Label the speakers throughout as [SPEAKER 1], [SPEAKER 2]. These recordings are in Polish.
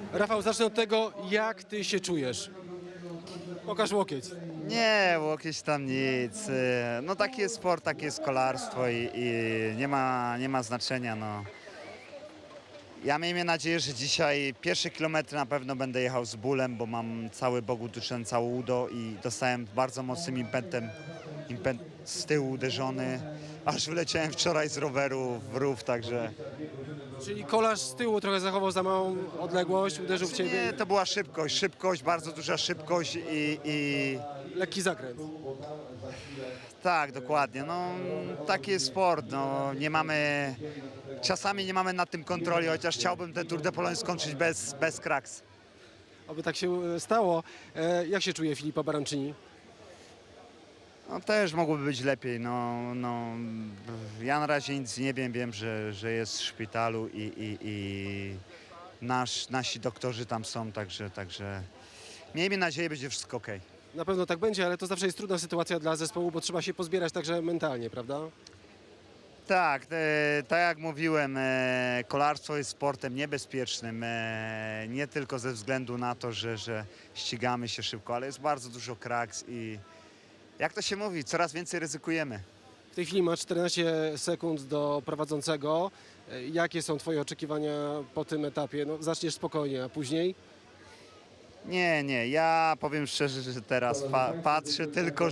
[SPEAKER 1] Rafał, zacznę od tego, jak ty się czujesz. Pokaż łokieć.
[SPEAKER 2] Nie, łokieć tam nic. No taki jest sport, takie jest kolarstwo i nie ma znaczenia. No. Ja miejmy nadzieję, że dzisiaj pierwsze kilometry na pewno będę jechał z bólem, bo mam cały bok uduszony, całe udo i dostałem bardzo mocnym impetem, impet z tyłu uderzony. Aż wyleciałem wczoraj z roweru w rów, także...
[SPEAKER 1] Czyli kolarz z tyłu trochę zachował za małą odległość, uderzył w ciebie.
[SPEAKER 2] Nie, to była szybkość, bardzo duża szybkość i...
[SPEAKER 1] Lekki zakręt.
[SPEAKER 2] Tak, dokładnie. No, taki jest sport. No, czasami nie mamy nad tym kontroli, chociaż chciałbym ten Tour de Pologne skończyć bez kraks.
[SPEAKER 1] Oby tak się stało. Jak się czuje Filippo Baroncini?
[SPEAKER 2] No, też mogłoby być lepiej. Ja na razie nic nie wiem, że jest w szpitalu i nasi doktorzy tam są, także miejmy nadzieję, będzie wszystko okej.
[SPEAKER 1] Na pewno tak będzie, ale to zawsze jest trudna sytuacja dla zespołu, bo trzeba się pozbierać także mentalnie, prawda?
[SPEAKER 2] Tak, tak jak mówiłem, kolarstwo jest sportem niebezpiecznym, nie tylko ze względu na to, że ścigamy się szybko, ale jest bardzo dużo kraks i jak to się mówi, coraz więcej ryzykujemy.
[SPEAKER 1] W tej chwili masz 14 sekund do prowadzącego. Jakie są twoje oczekiwania po tym etapie? No, zaczniesz spokojnie, a później?
[SPEAKER 2] Nie, ja powiem szczerze, że teraz patrzę tylko,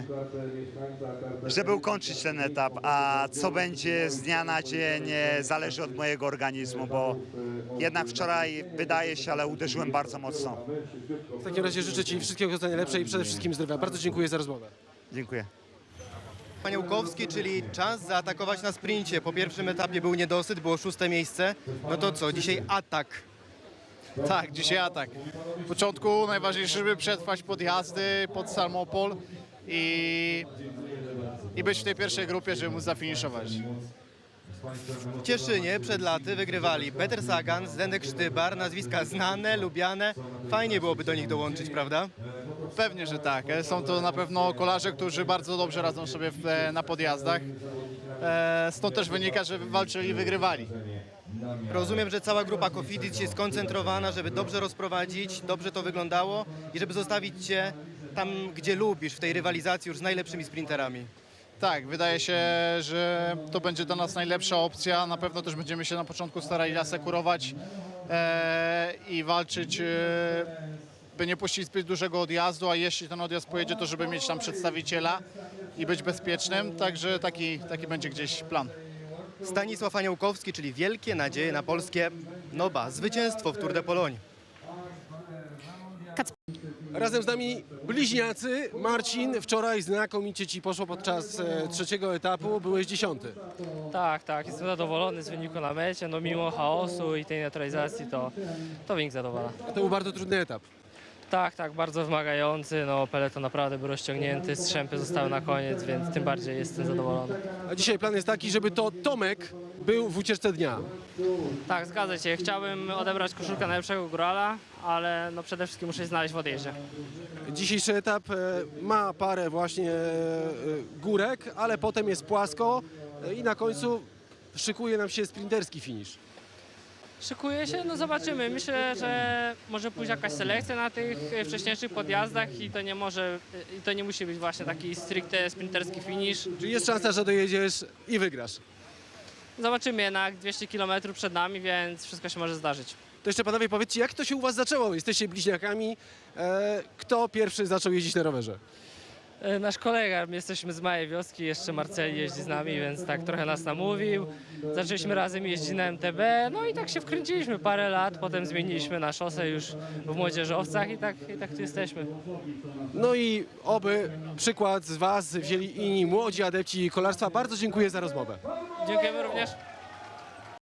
[SPEAKER 2] żeby ukończyć ten etap, a co będzie z dnia na dzień zależy od mojego organizmu, bo jednak wczoraj wydaje się, ale uderzyłem bardzo mocno.
[SPEAKER 1] W takim razie życzę ci wszystkiego co najlepsze i przede wszystkim zdrowia. Bardzo dziękuję za rozmowę.
[SPEAKER 2] Dziękuję.
[SPEAKER 3] Paniałkowski, czyli czas zaatakować na sprincie. Po pierwszym etapie był niedosyt, było 6. miejsce. No to co, dzisiaj atak.
[SPEAKER 4] Tak, dzisiaj atak. W początku najważniejsze, żeby przetrwać podjazdy pod Salmopol i być w tej pierwszej grupie, żeby móc zafiniszować.
[SPEAKER 3] W Cieszynie przed laty wygrywali Peter Sagan, Zdenek Sztybar, nazwiska znane, lubiane. Fajnie byłoby do nich dołączyć, prawda?
[SPEAKER 4] Pewnie, że tak. Są to na pewno kolarze, którzy bardzo dobrze radzą sobie na podjazdach. Stąd też wynika, że walczyli i wygrywali.
[SPEAKER 3] Rozumiem, że cała grupa Cofidis jest skoncentrowana, żeby dobrze rozprowadzić, dobrze to wyglądało i żeby zostawić Cię tam, gdzie lubisz, w tej rywalizacji już z najlepszymi sprinterami.
[SPEAKER 4] Tak, wydaje się, że to będzie dla nas najlepsza opcja. Na pewno też będziemy się na początku starali asekurować i walczyć, by nie puścić zbyt dużego odjazdu, a jeśli ten odjazd pojedzie, to żeby mieć tam przedstawiciela i być bezpiecznym. Także taki będzie gdzieś plan.
[SPEAKER 3] Stanisław Aniołkowski, czyli wielkie nadzieje na polskie Noba. Zwycięstwo w Tour de Pologne.
[SPEAKER 1] Razem z nami bliźniacy. Marcin, wczoraj znakomicie ci poszło podczas trzeciego etapu, byłeś 10.
[SPEAKER 5] Tak, jestem zadowolony z wyniku na mecie, no mimo chaosu i tej neutralizacji to wynik zadowala.
[SPEAKER 1] To był bardzo trudny etap.
[SPEAKER 5] Tak, bardzo wymagający, no peleton naprawdę był rozciągnięty, strzępy zostały na koniec, więc tym bardziej jestem zadowolony.
[SPEAKER 1] A dzisiaj plan jest taki, żeby to Tomek był w ucieczce dnia.
[SPEAKER 5] Tak, zgadza się, chciałbym odebrać koszulkę najlepszego górala, ale no przede wszystkim muszę się znaleźć w odjeździe.
[SPEAKER 1] Dzisiejszy etap ma parę właśnie górek, ale potem jest płasko i na końcu szykuje nam się sprinterski finisz.
[SPEAKER 5] Szykuję się, no zobaczymy. Myślę, że może pójść jakaś selekcja na tych wcześniejszych podjazdach i to nie musi być właśnie taki stricte sprinterski finish.
[SPEAKER 1] Czyli jest szansa, że dojedziesz i wygrasz.
[SPEAKER 5] Zobaczymy, jednak 200 km przed nami, więc wszystko się może zdarzyć.
[SPEAKER 1] To jeszcze panowie powiedzcie, jak to się u was zaczęło? Jesteście bliźniakami. Kto pierwszy zaczął jeździć na rowerze?
[SPEAKER 5] Nasz kolega, my jesteśmy z małej wioski, jeszcze Marceli jeździ z nami, więc tak trochę nas namówił. Zaczęliśmy razem jeździć na MTB, no i tak się wkręciliśmy parę lat, potem zmieniliśmy na szosę już w młodzieżowcach i tak tu jesteśmy.
[SPEAKER 1] No i oby przykład z was wzięli inni młodzi adepci kolarstwa. Bardzo dziękuję za rozmowę.
[SPEAKER 5] Dziękujemy również.